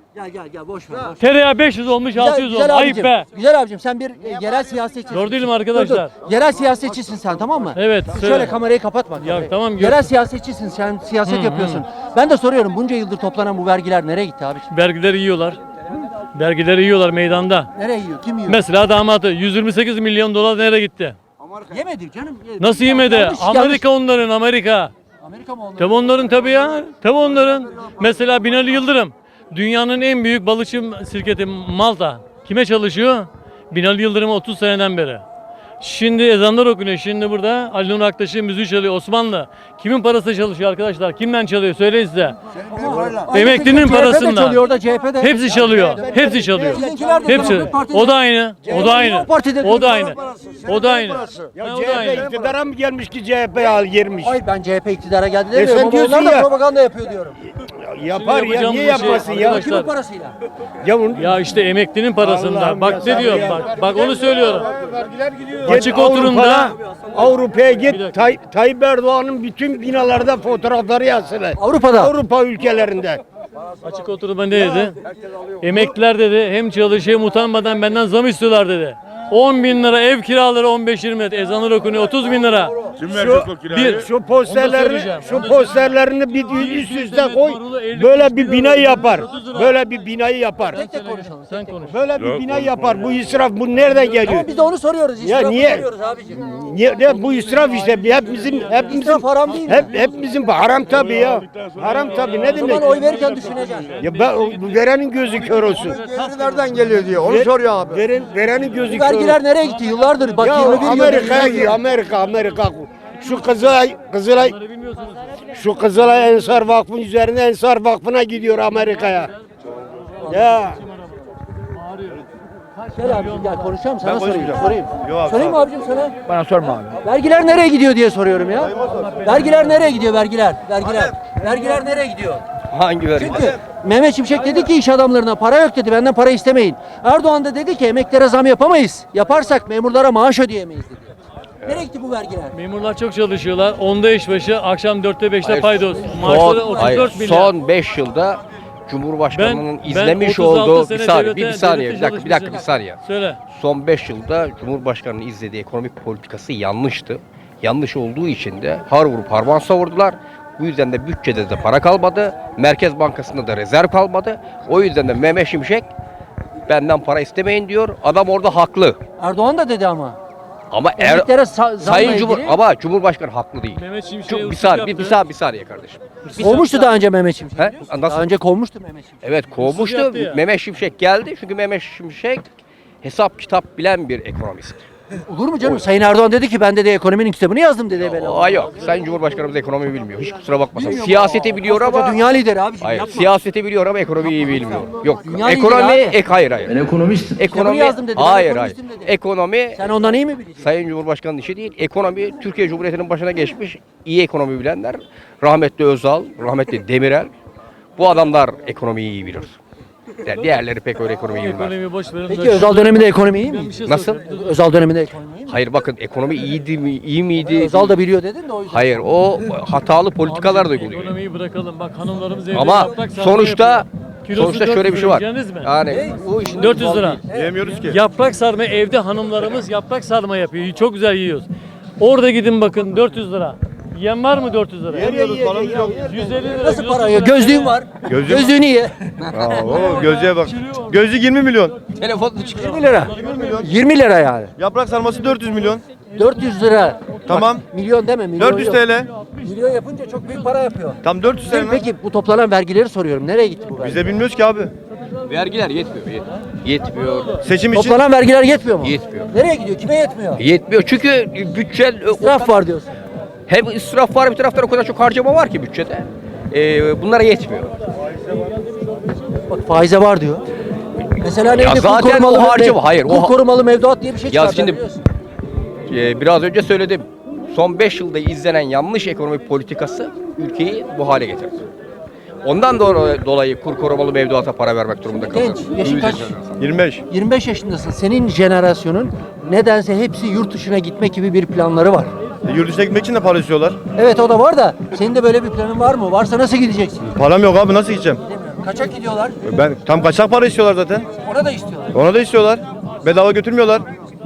Speaker 1: Gel boş ver. Boş ver.
Speaker 6: Tereyağı 500 olmuş 600 olmuş. Ayıp
Speaker 1: abicim,
Speaker 6: be.
Speaker 1: Güzel abicim sen bir yerel siyasetçisin.
Speaker 6: Doğru değilim
Speaker 1: Dur,
Speaker 6: arkadaşlar.
Speaker 1: dur. Yerel siyasetçisin sen tamam mı?
Speaker 6: Evet,
Speaker 1: Şöyle
Speaker 6: söyle.
Speaker 1: kamerayı kapatma. kamerayı.
Speaker 6: tamam, gör.
Speaker 1: Yerel siyasetçisin sen siyaset yapıyorsun. Ben de soruyorum bunca yıldır toplanan bu vergiler nereye gitti abiciğim?
Speaker 6: Vergileri yiyorlar. Vergileri yiyorlar meydanda.
Speaker 1: Nereye yiyor? Kim yiyor?
Speaker 6: Mesela damatı 128 milyon dolar nereye gitti?
Speaker 1: Yemedi canım.
Speaker 6: Nasıl yemedi?
Speaker 1: Yanlış,
Speaker 6: Amerika onların Amerika.
Speaker 1: Amerika mı onları?
Speaker 6: Tabi onların tabi ya. Tabi onların. Mesela Binali Yıldırım. Dünyanın en büyük balıkçı şirketi Malta. Kime çalışıyor? Binali Yıldırım 30 seneden beri. Şimdi ezanlar okunuyor. Şimdi burada Ali Nur Aktaş'ın müziği çalıyor. Osmanlı. Kimin parası çalışıyor arkadaşlar? Kimden çalıyor? Söyleyin size. Emeklinin
Speaker 1: CHP de
Speaker 6: parasından.
Speaker 1: çalıyor orada CHP'de.
Speaker 6: Hepsi çalıyor. Hepsi çalıyor.
Speaker 1: Sizinkiler de
Speaker 6: Hepsi.
Speaker 1: Demokrat Parti'de.
Speaker 6: O da aynı. O da aynı.
Speaker 1: O partide
Speaker 6: O da
Speaker 1: değil.
Speaker 6: aynı. O da aynı. Ha, o da aynı.
Speaker 7: iktidara mı gelmiş ki CHP girmiş?
Speaker 1: Hayır ben CHP iktidara geldi
Speaker 7: sen
Speaker 1: demiyorum ama
Speaker 7: diyorsun
Speaker 1: onlar da
Speaker 7: ya.
Speaker 1: propaganda yapıyor diyorum.
Speaker 7: Yapar
Speaker 6: Şimdi
Speaker 7: ya, niye
Speaker 6: yapacağım bu şey
Speaker 7: yapmasın ya?
Speaker 6: arkadaşlar.
Speaker 1: Kimin parasıyla?
Speaker 6: Ya işte emeklinin parasında.
Speaker 7: Allah'ım
Speaker 6: Bak
Speaker 7: ya,
Speaker 6: ne diyor.
Speaker 7: ya.
Speaker 6: Bak onu söylüyorum.
Speaker 7: Git
Speaker 6: Açık oturumda
Speaker 7: Avrupa'ya
Speaker 6: Bir
Speaker 7: git.
Speaker 6: dakika.
Speaker 7: Tayyip Erdoğan'ın bütün binalarda fotoğrafları yazsınlar.
Speaker 1: Avrupa'da.
Speaker 7: Avrupa ülkelerinde.
Speaker 6: açık oturumda ne dedi? Emekliler dedi hem çalışıyor hem utanmadan benden zam istiyorlar dedi. 10 bin lira ev kiraları 15-20 lira. Ezanlar okunuyor 30 bin lira.
Speaker 8: Kim verecek o kirayı?
Speaker 7: Şu posterlerini,
Speaker 6: söyleyeceğim.
Speaker 7: şu posterlerini bir üst üste koy. Böyle bir binayı yapar. Böyle bir binayı yapar.
Speaker 1: Tek konuşalım.
Speaker 6: Sen konuş.
Speaker 7: Böyle bir binayı yapar. Bu israf bu nereden geliyor?
Speaker 1: Ama biz de onu soruyoruz.
Speaker 7: Ya
Speaker 1: İsrafı
Speaker 7: niye?
Speaker 1: soruyoruz abicim.
Speaker 7: Ne bu israf işte hepimizin
Speaker 1: İsraf haram değil mi?
Speaker 7: hepimizin haram tabii ya. Haram tabii ne
Speaker 1: O zaman
Speaker 7: demek?
Speaker 1: oy verirken düşüneceksin.
Speaker 7: Ya bu verenin gözü kör olsun.
Speaker 9: Nereden geliyor diyor. Onu soruyor abi.
Speaker 7: Verenin gözü
Speaker 1: Bu
Speaker 7: kör olsun.
Speaker 1: vergiler nereye gitti? Yıllardır bak
Speaker 7: Ya
Speaker 1: 21 yıldır.
Speaker 7: Amerika'ya gidiyor. Amerika. Şu Kızılay şu Kızılay Ensar Vakfı'nın üzerine Ensar Vakfı'na gidiyor Amerika'ya. Ya
Speaker 1: Gel abicim gel konuşalım sana sorayım. Sorayım mı abicim sana?
Speaker 8: Bana sorma abi.
Speaker 1: Vergiler nereye gidiyor diye soruyorum ya. Vergiler nereye gidiyor vergiler? Vergiler nereye gidiyor?
Speaker 9: Hangi vergi?
Speaker 1: Çünkü Mehmet Şimşek dedi ki iş adamlarına para yok dedi. Benden para istemeyin. Erdoğan da dedi ki emeklere zam yapamayız. Yaparsak memurlara maaş ödeyemeyiz dedi. Nereye gitti bu vergiler?
Speaker 6: Memurlar çok çalışıyorlar. 10'da işbaşı, akşam 4'te 5'te
Speaker 10: Hayır,
Speaker 6: paydos. Maaşları
Speaker 10: Son,
Speaker 6: 34 milyar.
Speaker 10: son 5 yılda Cumhurbaşkanının
Speaker 6: Ben
Speaker 10: izlemiş
Speaker 6: 36
Speaker 10: olduğu
Speaker 6: sene
Speaker 10: bir saniye,
Speaker 6: devlete-
Speaker 10: bir saniye,
Speaker 6: devlete
Speaker 10: bir dakika, bir
Speaker 6: çalışmışım.
Speaker 10: saniye.
Speaker 6: Söyle.
Speaker 10: Son 5 yılda Cumhurbaşkanının izlediği ekonomik politikası yanlıştı. Yanlış olduğu için de har vurup harman savurdular. Bu yüzden de bütçede de para kalmadı. Merkez Bankası'nda da rezerv kalmadı. O yüzden de Mehmet Şimşek benden para istemeyin diyor. Adam orada haklı.
Speaker 1: Erdoğan da dedi ama.
Speaker 10: Ama
Speaker 1: Emeklere zamla
Speaker 10: Sayın
Speaker 1: ilgili.
Speaker 10: ama Cumhurbaşkanı haklı değil.
Speaker 6: Mehmet Şimşek'e
Speaker 10: Çok, bir
Speaker 6: uçuk
Speaker 10: saniye,
Speaker 6: yaptı.
Speaker 10: bir saniye kardeşim.
Speaker 1: Kovmuştu daha önce Mehmet Şimşek.
Speaker 10: He?
Speaker 1: Daha
Speaker 10: Nasıl?
Speaker 1: önce kovmuştu Mehmet Şimşek.
Speaker 10: Evet kovmuştu.
Speaker 6: yaptı ya.
Speaker 10: Mehmet Şimşek geldi çünkü Mehmet Şimşek hesap kitap bilen bir ekonomist.
Speaker 1: Olur mu canım? Sayın Erdoğan dedi ki ben de ekonominin kitabını yazdım dedi evvela.
Speaker 10: Aa yok. Sayın Cumhurbaşkanımız ekonomi bilmiyor. Hiç kusura bakmasın. Siyaseti biliyor
Speaker 1: Koskoca
Speaker 10: ama
Speaker 1: dünya lideri abi.
Speaker 10: hayır.
Speaker 1: Yapma.
Speaker 10: Siyaseti biliyor ama ekonomiyi bilmiyor. Yok.
Speaker 1: Dünya
Speaker 10: Ekonomi
Speaker 1: lideri abi.
Speaker 10: hayır hayır.
Speaker 1: Kitabını
Speaker 10: Ekonomi
Speaker 1: yazdım dedi. Ben
Speaker 10: hayır hayır.
Speaker 1: ekonomistim dedi.
Speaker 10: Ekonomi
Speaker 1: Sen ondan iyi mi bileceksin?
Speaker 10: Sayın Cumhurbaşkanı'nın işi değil. Ekonomi Türkiye Cumhuriyeti'nin başına geçmiş iyi ekonomi bilenler. Rahmetli Özal, rahmetli Demirel. Bu adamlar ekonomiyi iyi bilir. Yani diğerleri pek öyle ekonomiyi bilmez.
Speaker 6: Ekonomiyi boş verin.
Speaker 1: Peki Özal döneminde ekonomi iyi
Speaker 6: Ben
Speaker 1: mi?
Speaker 6: bir şey
Speaker 10: Nasıl?
Speaker 6: soracağım.
Speaker 1: Özal döneminde ekonomi iyi mi?
Speaker 10: Hayır bakın ekonomi iyiydi mi, iyi miydi?
Speaker 1: Özal da biliyor dedin de o yüzden.
Speaker 10: Hayır o hatalı politikalar da uyguluyor.
Speaker 6: Ekonomiyi bırakalım. Bak hanımlarımız evde
Speaker 10: Ama
Speaker 6: yaprak sarma
Speaker 10: sonuçta
Speaker 6: yapıyor. Kilosu
Speaker 10: sonuçta
Speaker 6: 400
Speaker 10: şöyle bir şey var.
Speaker 6: lira, yiyeceğiniz mi?
Speaker 10: Yani bu işin
Speaker 6: 400 lira.
Speaker 8: Yiyemiyoruz ki.
Speaker 6: Yaprak sarma evde hanımlarımız yaprak sarma yapıyor. Çok güzel yiyoruz. Orada gidin bakın 400 lira. Yiyen var mı 400 lira?
Speaker 8: Yiyemiyoruz, paramız yok.
Speaker 6: 150 lira.
Speaker 1: Nasıl
Speaker 6: kilosu
Speaker 1: para ya?
Speaker 6: lira.
Speaker 1: Gözlüğün var.
Speaker 8: Gözlüğüm var.
Speaker 1: Gözlüğünü ye.
Speaker 8: Oo, gözlüğe bak. Gözlük 20 milyon.
Speaker 10: telefonla çıkıyor.
Speaker 1: 20 lira. 20 lira yani.
Speaker 8: Yaprak sarması 400 milyon.
Speaker 1: 400 lira.
Speaker 8: Tamam.
Speaker 1: Bak, milyon deme. Milyon
Speaker 8: 400
Speaker 1: yok.
Speaker 8: TL.
Speaker 1: Milyon yapınca çok büyük para yapıyor.
Speaker 8: Tam 400 TL. mi?
Speaker 1: Peki bu toplanan vergileri soruyorum. Nereye gitti bu
Speaker 8: Biz
Speaker 1: vergi?
Speaker 8: de bilmiyoruz ki abi.
Speaker 10: Vergiler yetmiyor. Yetmiyor.
Speaker 8: Seçim için
Speaker 1: Toplanan vergiler yetmiyor mu?
Speaker 10: Yetmiyor.
Speaker 1: Nereye gidiyor? Kime yetmiyor?
Speaker 10: Yetmiyor çünkü bütçe
Speaker 1: İsraf var diyorsun.
Speaker 10: hem israf var bir taraftan o kadar çok harcama var ki bütçede. Bunlara yetmiyor.
Speaker 1: Bak faize var diyor. Mesela neydi? Kur
Speaker 10: zaten
Speaker 1: korumalı
Speaker 10: o harcama- hayır,
Speaker 1: Kur korumalı mevduat diye bir şey
Speaker 10: Ya
Speaker 1: çıkardı.
Speaker 10: şimdi-
Speaker 1: biliyorsun.
Speaker 10: Biraz önce söyledim. Son 5 yılda izlenen yanlış ekonomik politikası ülkeyi bu hale getirdi. Ondan dolayı kur korumalı mevduata para vermek durumunda kaldı.
Speaker 1: Genç, yaşın kaç?
Speaker 8: 25.
Speaker 1: 25 yaşındasın. Senin jenerasyonun nedense hepsi yurt dışına gitmek gibi bir planları var.
Speaker 8: Yurt dışına gitmek için de para istiyorlar.
Speaker 1: Evet o da var da senin de böyle bir planın var mı? Varsa nasıl gideceksin?
Speaker 8: Param yok abi nasıl gideceğim?
Speaker 1: Bilmiyorum. Kaçak gidiyorlar.
Speaker 8: Ben tam kaçak para istiyorlar zaten.
Speaker 1: Ona da istiyorlar.
Speaker 8: Ona da istiyorlar. Bedava götürmüyorlar.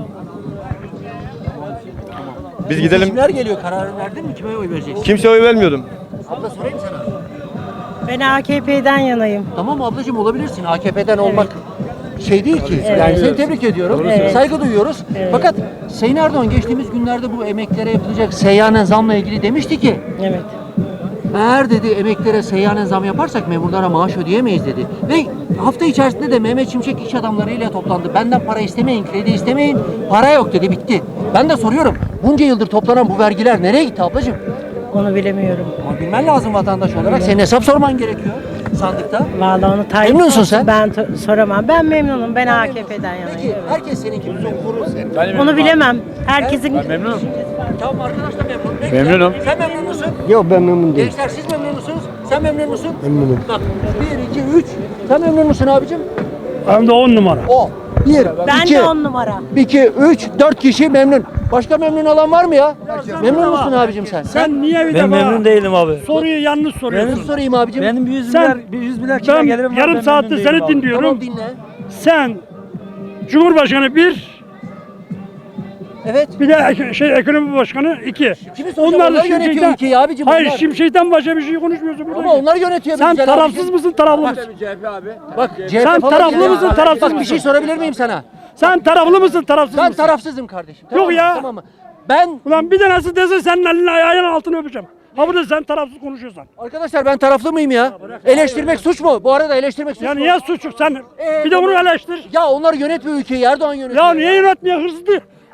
Speaker 8: Biz gidelim.
Speaker 1: Kimler geliyor? Kararı verdin mi? Kime oy vereceksin?
Speaker 8: Kimseye oy vermiyordum.
Speaker 1: Abla sorayım sana.
Speaker 11: Ben AKP'den yanayım.
Speaker 1: Tamam ablacığım olabilirsin. AKP'den olmak şey değil ki. Yani seni tebrik ediyorum.
Speaker 11: Evet.
Speaker 1: Saygı duyuyoruz.
Speaker 11: Evet.
Speaker 1: Fakat Sayın Erdoğan geçtiğimiz günlerde bu emeklere yapılacak seyyanen zamla ilgili demişti ki
Speaker 11: Evet.
Speaker 1: eğer dedi emeklere seyyanen zam yaparsak memurlara maaş ödeyemeyiz dedi. Ve hafta içerisinde de Mehmet Şimşek iş adamlarıyla toplandı. Benden para istemeyin, kredi istemeyin. Para yok dedi bitti. Ben de soruyorum. Bunca yıldır toplanan bu vergiler nereye gitti ablacığım?
Speaker 11: Onu bilemiyorum.
Speaker 1: Ama bilmen lazım vatandaş olarak. Senin hesap sorman gerekiyor sandıkta.
Speaker 11: Vallahi onu Tayyip
Speaker 1: Memnunsun
Speaker 11: sorsun,
Speaker 1: sen?
Speaker 11: Ben soramam. Ben memnunum. Ben AKP'den yanayım.
Speaker 1: Peki
Speaker 11: Evet.
Speaker 1: herkes senin gibi kurur.
Speaker 11: Onu bilemem. Herkesin
Speaker 6: Memnunum.
Speaker 1: Tamam arkadaş da memnun. Peki,
Speaker 6: Memnunum.
Speaker 1: Sen memnun musun?
Speaker 7: Yok ben memnun değilim.
Speaker 1: Gençler siz memnun musunuz? Sen memnun musun?
Speaker 7: Memnunum.
Speaker 1: Bak 1, 2, 3. Sen memnun musun abicim?
Speaker 7: Hem de 10 numara.
Speaker 1: O. 1,
Speaker 11: Ben
Speaker 1: 2,
Speaker 11: de 10 numara.
Speaker 1: 2, 3, 4 kişi memnun. Başka memnun olan var mı ya? Memnun musun abicim sen?
Speaker 7: Sen niye bir
Speaker 6: Ben memnun değilim abi.
Speaker 7: soruyu yanlış soruyorsun?
Speaker 1: Nasıl sorayım abicim?
Speaker 6: Benim 100
Speaker 7: Sen-
Speaker 6: milyar 100 milyar kira
Speaker 7: Ben
Speaker 6: gelirim var.
Speaker 7: yarım
Speaker 6: Ben
Speaker 7: saattir
Speaker 6: memnun
Speaker 7: seni
Speaker 6: değilim abi.
Speaker 7: dinliyorum.
Speaker 1: Tamam dinle.
Speaker 7: Sen Cumhurbaşkanı 1,
Speaker 1: Evet.
Speaker 7: bir de ekonomi başkanı 2.
Speaker 1: Kimi soracağım? Onlar yönetiyor ülkeyi abicim.
Speaker 7: Hayır
Speaker 1: onlar.
Speaker 7: Şimşek'ten başka bir şey konuşmuyorsun burada.
Speaker 1: Ama onlar yönetiyor.
Speaker 7: Sen
Speaker 1: güzel
Speaker 7: tarafsız
Speaker 1: abicim.
Speaker 7: mısın taraflı mısın?
Speaker 1: Bak
Speaker 7: Sen
Speaker 1: CHP falan
Speaker 7: taraflı
Speaker 1: değil ya.
Speaker 7: mısın, tarafsız
Speaker 1: Bak bir
Speaker 7: mısın?
Speaker 1: şey sorabilir miyim sana?
Speaker 7: Sen taraflı mısın tarafsız
Speaker 1: Ben
Speaker 7: mısın?
Speaker 1: tarafsızım kardeşim.
Speaker 7: Yok
Speaker 1: mı?
Speaker 7: ya.
Speaker 1: Tamam mı? Ben
Speaker 7: Ulan bir tanesi dese senin elini ayağının altını öpeceğim. Ha burada sen tarafsız konuşuyorsan.
Speaker 1: arkadaşlar ben taraflı mıyım ya? Eleştirmek suç mu? Bu arada eleştirmek suç
Speaker 7: Ya
Speaker 1: mu?
Speaker 7: niye suçu sen? Bir de bunu eleştir.
Speaker 1: Ya onlar yönetmiyor ülkeyi. Erdoğan yönetiyor.
Speaker 7: Ya niye yönetmiyor hırsızlık?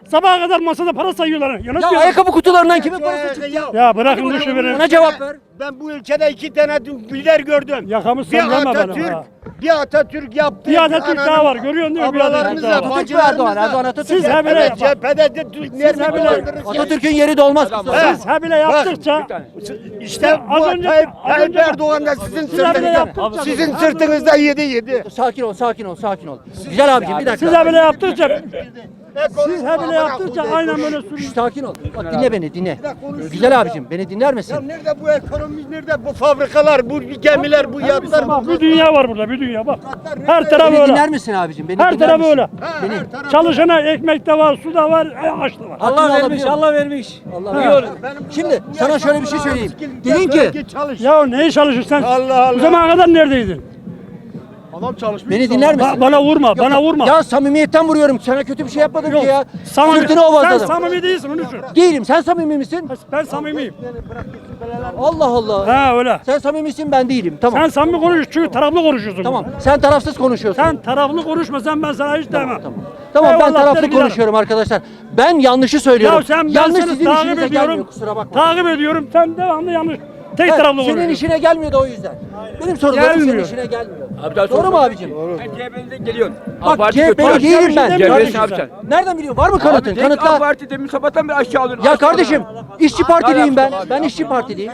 Speaker 7: Sabaha kadar masada para sayıyorlar.
Speaker 1: Ya ayakkabı kutularından kimin parası çıktı ya?
Speaker 7: Ya bırakın bu şoförü.
Speaker 1: Ona cevap ver.
Speaker 9: Ben bu ülkede 2 tane lider gördüm.
Speaker 7: Yakamı
Speaker 9: Bir
Speaker 7: sallama bana.
Speaker 9: Atatürk, bir Atatürk yaptı.
Speaker 7: Bir Atatürk daha var. Görüyorsun değil mi? Bir Atatürk daha var.
Speaker 1: Atatürk mü Erdoğan? Erdoğan Atatürk.
Speaker 7: Siz
Speaker 1: mü?
Speaker 7: he bile
Speaker 9: Evet, cephede de Türkler
Speaker 7: bile-
Speaker 1: Atatürk'ün yeri de olmaz.
Speaker 7: Siz he bile yaptıkça
Speaker 9: İşte
Speaker 7: az
Speaker 9: bu
Speaker 7: önce-
Speaker 9: Tayyip
Speaker 7: az önce-
Speaker 9: Erdoğan da sizin
Speaker 7: Siz he bile
Speaker 9: sırtınızda,
Speaker 7: yaptıkça
Speaker 9: sizin sırtınızda yedi.
Speaker 1: Sakin ol, sakin ol, sakin ol. Güzel abicim bir dakika.
Speaker 7: siz he bile yaptıkça siz he bile yaptıkça aynen böyle
Speaker 1: Şş,
Speaker 7: sürüyor.
Speaker 1: sakin ol. Bak dinle beni, dinle. Güzel abicim, beni dinler
Speaker 9: Ya
Speaker 1: misin?
Speaker 9: nerede bu ekonomi, nerede bu fabrikalar, bu gemiler, bu yatlar,
Speaker 7: Bak bir dünya var burada, bir dünya bak. Her taraf
Speaker 1: Beni
Speaker 7: öyle.
Speaker 1: dinler misin abicim? Beni
Speaker 7: Her
Speaker 1: dinler
Speaker 7: taraf
Speaker 1: misin?
Speaker 7: öyle.
Speaker 1: Beni.
Speaker 7: Çalışana ekmek de var, su da var, aç da var.
Speaker 1: Allah vermiş, Allah vermiş. Allah vermiş. Şimdi sana şöyle bir şey söyleyeyim. Dedin ki,
Speaker 7: Ya neyi çalışırsan?
Speaker 9: Allah Allah.
Speaker 7: Bu zamana kadar neredeydin?
Speaker 1: beni dinler misin?
Speaker 7: Bana vurma, bana vurma.
Speaker 1: Ya samimiyetten vuruyorum. Sana kötü bir şey yapmadım
Speaker 7: Yok,
Speaker 1: ki ya.
Speaker 7: samimi-
Speaker 1: Sırtını
Speaker 7: sen
Speaker 1: ovazladım.
Speaker 7: samimi değilsin, onu düşün.
Speaker 1: Değilim. Sen samimi misin?
Speaker 7: Ben samimiyim.
Speaker 1: Allah Allah.
Speaker 7: Ha öyle.
Speaker 1: Sen samimisin, ben değilim. Tamam.
Speaker 7: Sen samimi konuş, çünkü taraflı konuşuyorsun.
Speaker 1: Tamam. Sen tarafsız konuşuyorsun.
Speaker 7: Sen taraflı konuşmasan ben sana hiç demem.
Speaker 1: Tamam. Tamam ben
Speaker 7: Eyvallah
Speaker 1: taraflı
Speaker 7: der giderim.
Speaker 1: konuşuyorum arkadaşlar. Ben yanlışı söylüyorum.
Speaker 7: Ya sen ben
Speaker 1: yanlış
Speaker 7: seni
Speaker 1: sizin
Speaker 7: takip
Speaker 1: işinize
Speaker 7: ediyorum.
Speaker 1: gelmiyor, kusura bakma.
Speaker 7: Takip ediyorum. Sen devamlı yanlış. Tek
Speaker 1: Ha,
Speaker 7: taraflı
Speaker 1: senin
Speaker 7: konuşuyorsun.
Speaker 1: işine gelmiyor da o yüzden. Benim sorularım senin
Speaker 7: Gelmiyor.
Speaker 1: işine gelmiyor. Doğru mu abicim?
Speaker 12: CHP'den geliyorsun.
Speaker 1: Bak CHP'li değilim ben.
Speaker 7: CHP'li
Speaker 1: Kardeşim,
Speaker 7: ne yapacaksın?
Speaker 1: Nereden biliyorsun? Var mı kanıtın?
Speaker 12: AK
Speaker 1: Kanıtla.
Speaker 12: Parti demin sabahtan beri aşağı alıyorsun.
Speaker 1: Ya kardeşim, işçi partiliyim ben. Ben işçi partiliyim.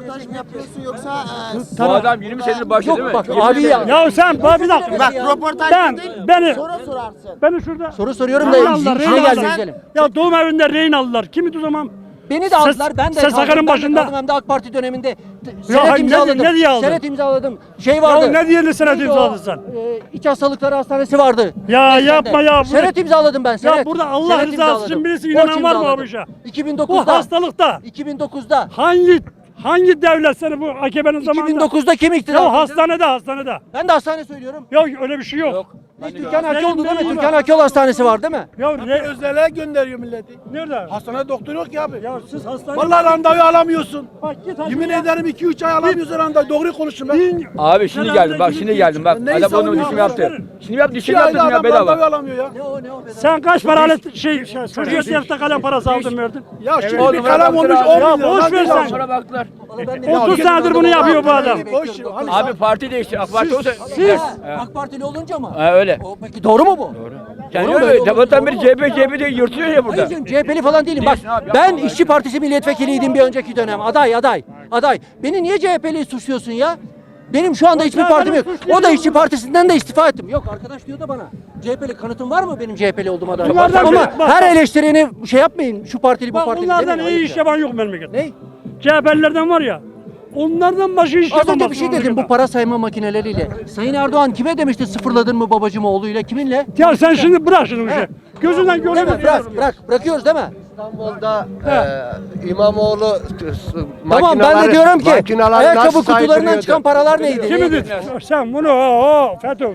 Speaker 12: Bu adam 20 senedir başladı değil mi?
Speaker 1: Yok bak abi ya.
Speaker 7: Ya sen bak bir dakika.
Speaker 1: Bak,
Speaker 7: Beni beni şurada
Speaker 1: Soru soruyorum da
Speaker 7: rehin aldılar,
Speaker 1: işine
Speaker 7: rehin
Speaker 1: gelmiyor
Speaker 7: aldılar.
Speaker 1: güzelim.
Speaker 7: Ya doğum evinde rehin aldılar. Kimdi o zaman?
Speaker 1: Beni de aldılar. Ben de
Speaker 7: Ses
Speaker 1: kaldım,
Speaker 7: Akar'ın
Speaker 1: ben de
Speaker 7: başında.
Speaker 1: kaldım. Hem de AK Parti döneminde
Speaker 7: hayır,
Speaker 1: senet
Speaker 7: ne-
Speaker 1: imzaladım.
Speaker 7: ne diye aldın?
Speaker 1: Senet imzaladım. Şey vardı.
Speaker 7: Ya ne diye senet
Speaker 1: Neydi o?
Speaker 7: imzaladın sen?
Speaker 1: İç hastalıkları hastanesi vardı.
Speaker 7: Ya
Speaker 1: Beyefendi.
Speaker 7: yapma ya. burada-
Speaker 1: Senet imzaladım ben. Senet.
Speaker 7: burada Allah
Speaker 1: Senet
Speaker 7: rızası
Speaker 1: imzaladım.
Speaker 7: için birisi
Speaker 1: Borç
Speaker 7: inanan var mı
Speaker 1: imzaladım.
Speaker 7: bu işe?
Speaker 1: 2009'da.
Speaker 7: Bu hastalıkta
Speaker 1: 2009'da.
Speaker 7: hangi devlet seni bu AKP'nin zamanında?
Speaker 1: 2009'da kim iktidar?
Speaker 7: Ya hastanede.
Speaker 1: Ben de hastane söylüyorum.
Speaker 7: Ya öyle bir şey yok.
Speaker 1: Türkan Hakkıoğlu değil mi?
Speaker 7: Değil mi?
Speaker 1: Türkan Hakkıoğlu Hastanesi var değil mi?
Speaker 7: Ya ne?
Speaker 9: Özele gönderiyor milleti.
Speaker 7: Nerede?
Speaker 9: Hastanede doktor yok ki abi.
Speaker 7: Ya siz hastane...
Speaker 9: Vallahi randevu alamıyorsun.
Speaker 7: Bak git hadi
Speaker 9: Yemin
Speaker 7: ya.
Speaker 9: ederim 2-3 ay alamıyorsun randevu. Doğru konuşun ben.
Speaker 7: Bin-
Speaker 12: Abi şimdi geldim bak şimdi geldim bak.
Speaker 9: Neyi
Speaker 12: Adam onun
Speaker 9: savunuyorsun?
Speaker 12: dişimi yaptı. Şimdi yaptı dişimi
Speaker 9: 2 ayda
Speaker 12: yaptı ya
Speaker 9: adam randevu
Speaker 12: bedava.
Speaker 9: alamıyor ya.
Speaker 7: Sen kaç para alet çocuğa siyafta kalem parası aldın verdin?
Speaker 9: Ya şimdi
Speaker 12: O
Speaker 9: bir
Speaker 12: numara
Speaker 9: kalem olmuş
Speaker 12: baktılar
Speaker 9: 10
Speaker 12: abi.
Speaker 9: milyon.
Speaker 7: boş ver sen.
Speaker 12: Sonra baktılar.
Speaker 7: 30 senedir bunu yapıyor bu adam.
Speaker 9: Boş ver. Hani
Speaker 12: Abi parti değişti. AK Parti olsa.
Speaker 7: Siz
Speaker 1: AK Partili olunca mı?
Speaker 12: Ha öyle.
Speaker 1: Peki doğru mu bu?
Speaker 12: Yani
Speaker 1: Doğru mu?
Speaker 12: öyle. Sabahtan beri CHP diye yırtıyor ya burada.
Speaker 1: Hayır canım, CHP'li falan değilim. Bak
Speaker 12: Değilsin abi,
Speaker 1: ben
Speaker 12: yapma
Speaker 1: İşçi Partisi milletvekiliydim bir önceki dönem. Aday. Beni niye CHP'li suçluyorsun ya? Benim şu anda hiçbir
Speaker 7: ya
Speaker 1: partim
Speaker 7: benim
Speaker 1: yok.
Speaker 7: suçlayacağım
Speaker 1: O da İşçi Partisi'nden de istifa ettim. Yok arkadaş diyor da bana. CHP'li kanıtın var mı benim CHP'li olduğuma dair?
Speaker 7: Bunlardan
Speaker 1: Ama
Speaker 7: biri- bak,
Speaker 1: her
Speaker 7: bak.
Speaker 1: eleştireni şey yapmayın. Şu partili bu
Speaker 7: bak
Speaker 1: partili
Speaker 7: bunlardan
Speaker 1: demeyin.
Speaker 7: iyi
Speaker 1: Ayıp
Speaker 7: iş
Speaker 1: ya.
Speaker 7: yapan yok memlekette.
Speaker 1: Ne?
Speaker 7: CHP'lilerden var ya. Onlardan başı iş
Speaker 1: Az
Speaker 7: yapamaz.
Speaker 1: önce bir şey dedim bu para sayma makineleriyle. Sayın Erdoğan kime demişti sıfırladın mı babacım oğluyla kiminle?
Speaker 7: Ya sen şimdi bırak şimdi bu işi. Gözünden
Speaker 1: Değil mi?
Speaker 7: görüyor.
Speaker 1: Bırakıyoruz değil mi?
Speaker 9: İstanbul'da İmamoğlu
Speaker 1: Tamam ben de diyorum ki
Speaker 9: makineleri
Speaker 1: ayakkabı
Speaker 9: nasıl
Speaker 1: kutularından
Speaker 9: saydırıyordu?
Speaker 1: çıkan paralar neydi?
Speaker 7: Kimi
Speaker 1: Neydi?
Speaker 7: dedi? Sen bunu FETÖ.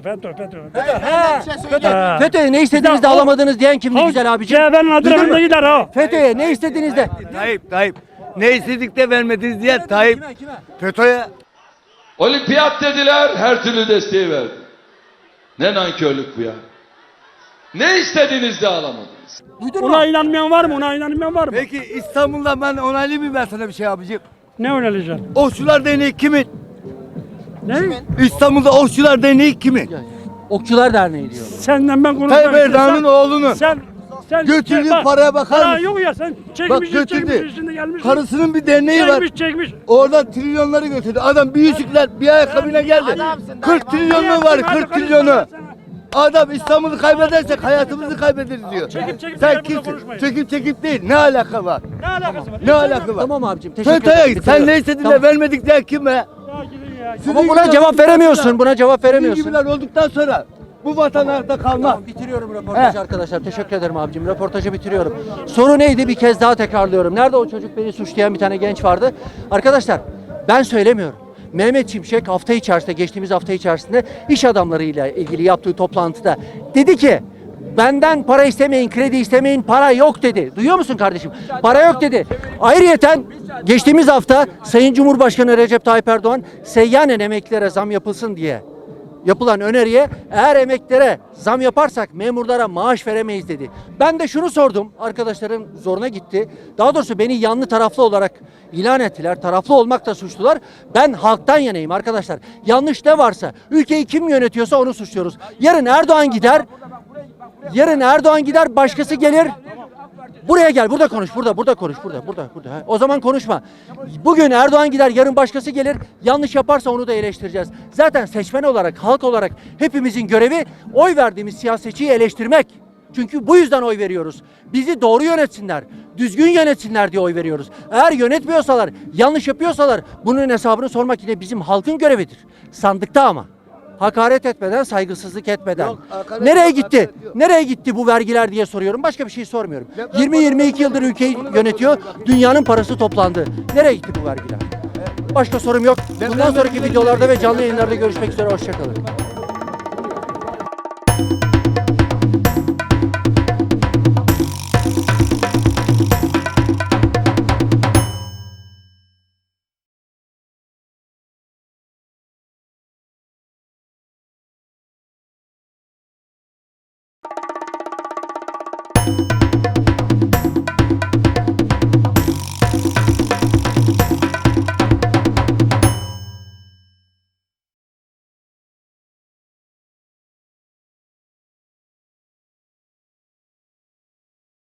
Speaker 1: FETÖ'ye ne istediğinizde
Speaker 7: Ya,
Speaker 1: alamadınız diyen kimdi güzel abicim?
Speaker 7: CHP'nin adresinde gider ha.
Speaker 1: FETÖ'ye ne istediğinizde?
Speaker 12: Tayyip. Ne istedik de vermediniz diye Tayyip. FETÖ'ye.
Speaker 13: Olimpiyat dediler, her türlü desteği verdi. Ne nankörlük bu ya. Ne istediğinizde alamadınız.
Speaker 1: Duydun mu?
Speaker 7: Ona inanmayan var mı?
Speaker 12: Peki İstanbul'da ben onaylayayım mı ben sana bir şey abicim?
Speaker 7: Ne önereceksin?
Speaker 12: Okçular Derneği kimin?
Speaker 7: Ne?
Speaker 12: İstanbul'da Okçular Derneği kimin?
Speaker 1: Okçular Derneği diyor.
Speaker 7: Senden ben konuşmak
Speaker 12: Tayyip Erdoğan'ın oğlunu.
Speaker 7: Sen
Speaker 12: Götürdüğün
Speaker 7: bak,
Speaker 12: paraya bakar
Speaker 7: para
Speaker 12: mısın?
Speaker 7: yok ya sen
Speaker 12: Bak
Speaker 7: çekmiş
Speaker 12: götürdü.
Speaker 7: şimdi gelmiş.
Speaker 12: Karısının bir derneği var.
Speaker 7: Çekmiş.
Speaker 12: Oradan trilyonları götürdü. Adam bir yüzükler bir ayakkabıyla geldi. 40 trilyonu var 40 trilyonu. Adam İstanbul'u kaybedersek hayatımızı kaybederiz diyor.
Speaker 7: Çekip
Speaker 12: Sen
Speaker 7: burada
Speaker 12: kimsin?
Speaker 7: konuşmayın.
Speaker 12: Çekip değil. Ne alaka var?
Speaker 7: Ne alakası var?
Speaker 12: Ne alaka var?
Speaker 1: Tamam abicim teşekkür
Speaker 12: FETÖ'ye
Speaker 1: ederim.
Speaker 12: git. Sen ne istedin de vermedik diye kime?
Speaker 7: Ya gidin ya.
Speaker 1: Ama buna cevap veremiyorsun. Buna cevap
Speaker 12: Sizin
Speaker 1: veremiyorsun.
Speaker 12: gibiler olduktan sonra bu vatan ayakta kalmaz.
Speaker 1: Tamam, bitiriyorum röportajı arkadaşlar. Teşekkür ederim abicim. Röportajı bitiriyorum. Soru neydi? Bir kez daha tekrarlıyorum. Nerede o çocuk beni suçlayan bir tane genç vardı? Arkadaşlar ben söylemiyorum. Mehmet Şimşek geçtiğimiz hafta içerisinde iş adamlarıyla ilgili yaptığı toplantıda dedi ki benden para istemeyin, kredi istemeyin, para yok dedi. Duyuyor musun kardeşim? Para yok dedi. Ayrıyeten geçtiğimiz hafta Sayın Cumhurbaşkanı Recep Tayyip Erdoğan seyyanen emeklilere zam yapılsın diye yapılan öneriye eğer emeklere zam yaparsak memurlara maaş veremeyiz dedi. Ben de şunu sordum. Arkadaşların zoruna gitti. Daha doğrusu beni yanlı taraflı olarak ilan ettiler. Taraflı olmakla suçlular. Ben halktan yanayım arkadaşlar. Yanlış ne varsa, ülkeyi kim yönetiyorsa onu suçluyoruz. Yarın Erdoğan gider. Yarın Erdoğan gider, başkası gelir. Buraya gel, burada konuş, burada konuş, burada. Ha, o zaman konuşma. Bugün Erdoğan gider, yarın başkası gelir. Yanlış yaparsa onu da eleştireceğiz. Zaten seçmen olarak, halk olarak hepimizin görevi oy verdiğimiz siyasetçiyi eleştirmek. Çünkü bu yüzden oy veriyoruz. Bizi doğru yönetsinler, düzgün yönetsinler diye oy veriyoruz. Eğer yönetmiyorsalar, yanlış yapıyorsalar bunun hesabını sormak yine bizim halkın görevidir. Sandıkta ama. Hakaret etmeden, saygısızlık etmeden.
Speaker 12: Yok, hakaret
Speaker 1: Nereye
Speaker 12: yok,
Speaker 1: gitti?
Speaker 12: hakaret yok.
Speaker 1: Nereye gitti bu vergiler diye soruyorum. Başka bir şey sormuyorum. 20-22 yıldır ülkeyi yönetiyor. Dünyanın parası toplandı. Nereye gitti bu vergiler? Başka sorum yok. Bundan sonraki videolarda ve canlı yayınlarda görüşmek üzere. Hoşçakalın.